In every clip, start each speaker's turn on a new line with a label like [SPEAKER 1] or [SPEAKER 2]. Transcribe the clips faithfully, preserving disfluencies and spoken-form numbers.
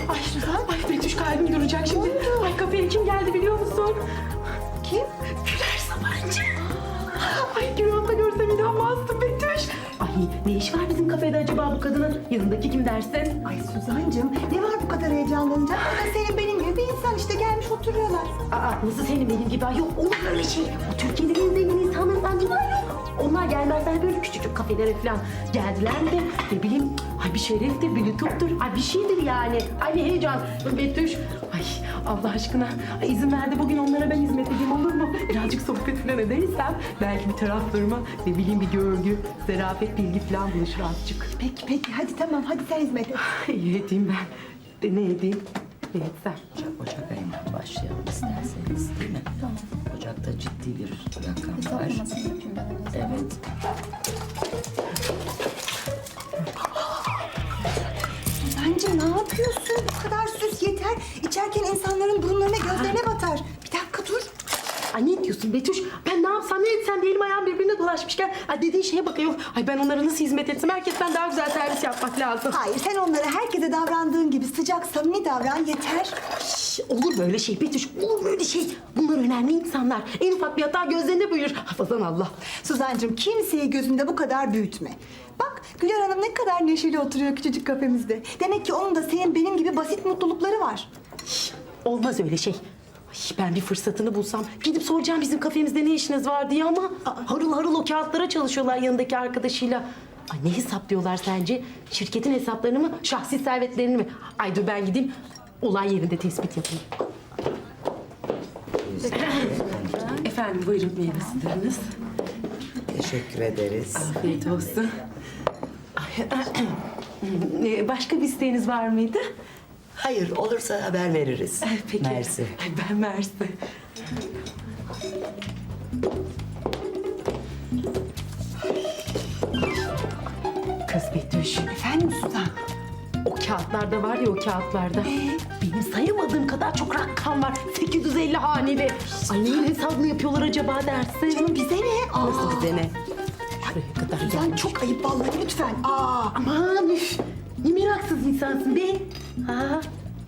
[SPEAKER 1] Ay Suzan. Ay Betüş kalbim duracak şimdi. Ay kafeye kim geldi biliyor musun?
[SPEAKER 2] Kim?
[SPEAKER 1] Güler Sabancı. Ay Güran'da görsem inanmazdım Betüş. Ay ne iş var bizim kafede acaba bu kadının? Yanındaki kim dersin?
[SPEAKER 2] Ay Suzancığım ne var bu kadar heyecanlanacak? O da senin benim gibi bir insan işte gelmiş oturuyorlar.
[SPEAKER 1] Aa nasıl senin benim gibi? Ay yok olur öyle şey. O Türkiye'de en zengin insanlardan biri var yok. Onlar gelmezler böyle küçücük kafelere falan. Geldiler mi de ne bileyim ay bir şereftir, bir lütuftur. Ay bir şeydir yani. Ay bir heyecan. Betüş. Ay Allah aşkına ay, izin ver de bugün onlara ben hizmet edeyim olur mu? Birazcık sohbet falan edersem belki bir taraflarıma ne bileyim bir görgü, zarafet, bilgi falan buluşur azıcık.
[SPEAKER 2] Peki peki hadi tamam hadi sen hizmet et.
[SPEAKER 1] İyi edeyim ben. De ne edeyim? Ne etsem?
[SPEAKER 3] Ocak ayından başlayalım isterseniz değil mi? Tamam. Ocakta ciddi bir rakam var. Evet.
[SPEAKER 2] Suzancığım ne yapıyorsun? Bu kadar süs yeter. İçerken insanların burunlarına gözlerine batar. Bir dakika dur.
[SPEAKER 1] Ay ne diyorsun Betüş? Ben ne yapsam ne etsem de elim ayağım birbirine dolaşmışken ay dediğin şeye bakıyor. Ay ben onlara nasıl hizmet etsem herkesten daha güzel servis yapmak lazım.
[SPEAKER 2] Hayır sen onlara herkese davrandığın gibi sıcak samimi davran yeter.
[SPEAKER 1] Şş, olur böyle şey Betüş, olur böyle şey. Bunlar önemli insanlar. En ufak bir hata gözlerinde büyür. Hafazan Allah.
[SPEAKER 2] Suzancığım kimseyi gözünde bu kadar büyütme. Bak Güler Hanım ne kadar neşeli oturuyor küçücük kafemizde. Demek ki onun da senin benim gibi basit mutlulukları var.
[SPEAKER 1] Olmaz öyle şey. Ay, ben bir fırsatını bulsam gidip soracağım bizim kafemizde ne işiniz var diye ama aa, harıl harıl o kağıtlara çalışıyorlar yanındaki arkadaşıyla. Ay ne hesaplıyorlar sence? Şirketin hesaplarını mı, şahsi servetlerini mi? Ay dur ben gideyim olay yerinde tespit yapayım. Efendim buyurun meyve sularınız.
[SPEAKER 3] Teşekkür ederiz.
[SPEAKER 1] Afiyet olsun. Ay, Ee, Başka bir isteğiniz var mıydı?
[SPEAKER 3] Hayır, olursa haber veririz.
[SPEAKER 1] Peki.
[SPEAKER 3] Mersi.
[SPEAKER 1] Ay, ben Mersi. Kız Betüş.
[SPEAKER 2] Efendim Suzan?
[SPEAKER 1] O kağıtlarda var ya o kağıtlarda. Benim sayamadığım kadar çok rakam var. sekiz yüz elli haneli. Ay neyin hesabını yapıyorlar acaba dersin?
[SPEAKER 2] Canım bize ne? Aa,
[SPEAKER 1] Nasıl bize ne? Şuraya kadar
[SPEAKER 2] Suzan
[SPEAKER 1] gelmiş.
[SPEAKER 2] çok ayıp vallahi lütfen. Aa.
[SPEAKER 1] Aman üf. Ne meraksız insansın be. Ha?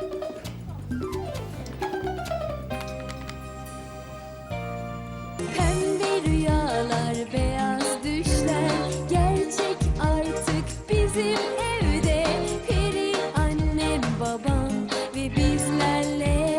[SPEAKER 4] Pembe rüyalar, beyaz düşler gerçek artık bizim evde. Peri annem, babam ve bizlerle